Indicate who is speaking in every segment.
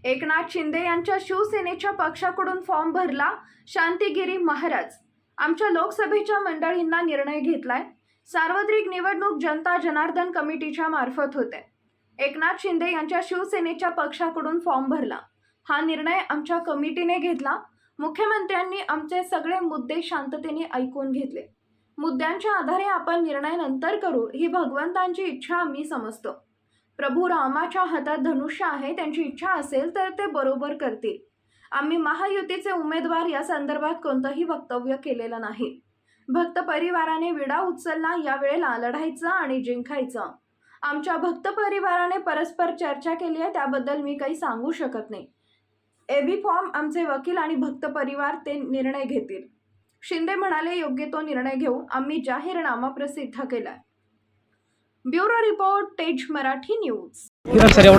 Speaker 1: एकनाथ शिंदे यांच्या शिवसेनेच्या पक्षाकडून फॉर्म भरला। शांतिगिरी महाराज आमच्या लोकसभेच्या मंडळींना निर्णय घेतलाय। सार्वत्रिक निवडणूक जनता जनार्दन कमिटीच्या मार्फत होते। एकनाथ शिंदे यांच्या शिवसेनेच्या पक्षाकडून फॉर्म भरला। हा निर्णय आमच्या कमिटीने घेतला। मुख्यमंत्र्यांनी आमचे सगळे मुद्दे शांततेने ऐकून घेतले। मुद्द्यांच्या आधारे आपण निर्णय नंतर करू ही भगवंतांची इच्छा आम्ही समजतो। प्रभू रामाच्या हातात धनुष्य आहे, त्यांची इच्छा असेल तर ते बरोबर करतील। आम्ही महायुतीचे उमेदवार या संदर्भात कोणतेही वक्तव्य केलेलं नाही। भक्त परिवाराने विडा उचलला, या वेळेला लढायचं आणि जिंकायचं। आमच्या भक्त परिवाराने परस्पर चर्चा केली आहे, त्याबद्दल मी काही सांगू शकत नाही। एबी फॉर्म आमचे वकील आणि भक्त परिवार ते निर्णय घेतील। शिंदे म्हणाले योग्य तो निर्णय घेऊ, आम्ही जाहीरनामा प्रसिद्ध केलाय। ब्युरो रिपोर्ट तेज मराठी न्यूज।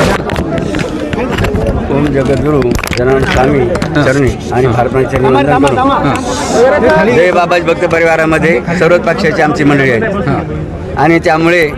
Speaker 2: ओम जगद्गुरु जनार्दन स्वामी चरणी आणि भारताचे वंदन करू। जय बाबाजी भक्त परिवारामध्ये सर्वच पक्षाची आमची मंडळी आहे आणि त्यामुळे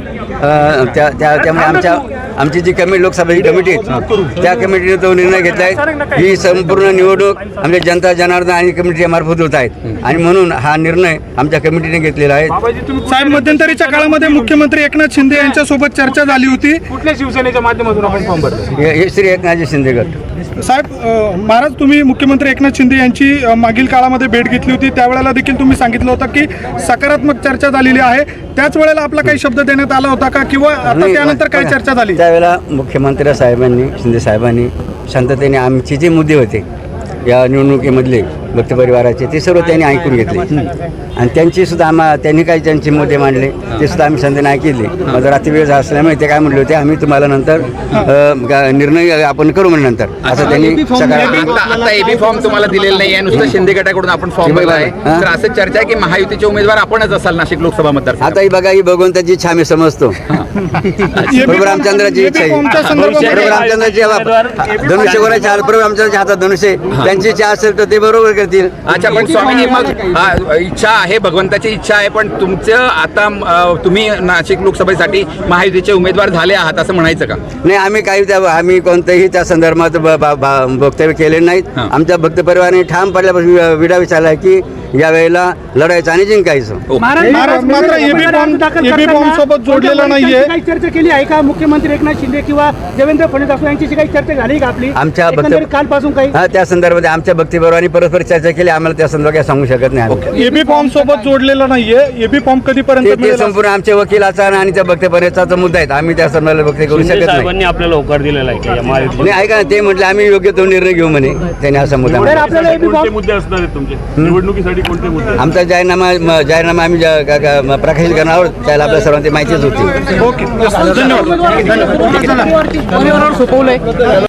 Speaker 2: आमची जी कमिटी लोकसभेची कमिटी आहे त्या कमिटीने तो निर्णय घेतला आहे। ही संपूर्ण निवडणूक आमच्या जनता जनार्दन आणि कमिटीच्या मार्फत होत आहेत आणि म्हणून हा निर्णय आमच्या कमिटीने घेतलेला आहे।
Speaker 3: साहेब, मध्यंतरीच्या काळामध्ये मुख्यमंत्री एकनाथ शिंदे यांच्यासोबत चर्चा झाली होती। कुठल्या शिवसेनेच्या माध्यमातून आपण फॉर्म भरला?
Speaker 2: हे श्री एकनाथजी शिंदे गट।
Speaker 3: साहेब, महाराज तुम्ही मुख्यमंत्री एकनाथ शिंदे यांची मागील काळामध्ये भेट घेतली होती, त्यावेळेला देखील तुम्ही सांगितलं होतं की सकारात्मक चर्चा झालेली आहे। त्याच वेळेला आपला काही शब्द देण्यात आला होता का किंवा आता त्यानंतर काय चर्चा झाली?
Speaker 2: त्यावेळेला मुख्यमंत्री साहेबांनी शिंदे साहेबांनी शांततेने आमचे जे मुद्दे होते या निवडणुकीमधले भक्त परिवाराचे ते सर्व त्यांनी ऐकून घेतले आणि त्यांची सुद्धा त्यांनी काही त्यांचे मुद्दे मांडले ते सुद्धा आम्ही शांततेने ऐकले। माझा रात्री वेळ असल्यामुळे ते काय म्हणले होते, आम्ही तुम्हाला नंतर निर्णय आपण करू म्हणजे नंतर असं त्यांनी सकारात्मक।
Speaker 4: आता एबी फॉर्म तुम्हाला दिलेला नाही आहे, नुसतं शिंदे गटाकडून आपण फॉर्म भरला आहे, तर असं चर्चा आहे की महायुतीचे उमेदवार आपणच असाल नाशिक लोकसभा मतदार।
Speaker 2: आता ही बघा, ही भगवंताची इच्छा आम्ही समजतो। प्रभू रामचंद्राची इच्छा आहे, प्रभू रामचंद्राची धनुष्य कोणाच्या हातात, प्रभू रामचंद्राच्या हातात धनुष्य, त्यांची इच्छा असेल तर ते बरोबर करतील।
Speaker 4: अच्छा, पण स्वामींनी मग इच्छा आहे, भगवंताची इच्छा आहे, पण तुमचं आता तुम्ही नाशिक लोकसभेसाठी महायुतीचे उमेदवार झाले आहात असं म्हणायचं का?
Speaker 2: नाही, आम्ही कोणतेही त्या संदर्भात वक्तव्य केले नाहीत। आमच्या भक्त परिवाराने ठाम पडल्यापासून विडा विचारला की या वेळेला लढायचं आणि जिंकायचं।
Speaker 3: महाराज मात्र एबी फॉर्म सोबत जोडलेला नाहीये।
Speaker 5: काही चर्चा केली आहे का मुख्यमंत्री एकनाथ शिंदे किंवा देवेंद्र फडणवीस यांची काही चर्चा झाली का आपली
Speaker 2: आमच्या
Speaker 5: कालपासून? काही
Speaker 2: त्या संदर्भात आमच्या भक्ती परिवाराने परस्पर चर्चा केली, आम्हाला त्या संदर्भात काय सांगू शकत नाही।
Speaker 3: एबी फॉर्म सोबत जोडलेला नाहीये, एबी फॉर्म कधीपर्यंत
Speaker 2: ते
Speaker 3: मिळेल?
Speaker 2: संपूर्ण आमच्या वकिलाचा आणि त्या भक्त परिवाराचा मुद्दा आहे, आम्ही त्या संदर्भात वक्तव्य करू शकत नाही।
Speaker 6: आपल्याला होकार दिलेला आहे
Speaker 2: नाही, ऐका ना, ते म्हटले आम्ही योग्य तो निर्णय घेऊ म्हणे, त्याने असा मुद्दा
Speaker 5: तर आपल्याला एबी फॉर्म
Speaker 6: मुद्दे असणार आहेत तुमचे निवडणुकीसाठी? कोणते मुद्दे?
Speaker 2: आमचा जाहीरनामा आम्ही प्रकाशित करणार आहोत, त्याला आपल्या सर्वांची माहितीच होती।
Speaker 3: ओके, धन्यवाद।
Speaker 5: सोपवलंय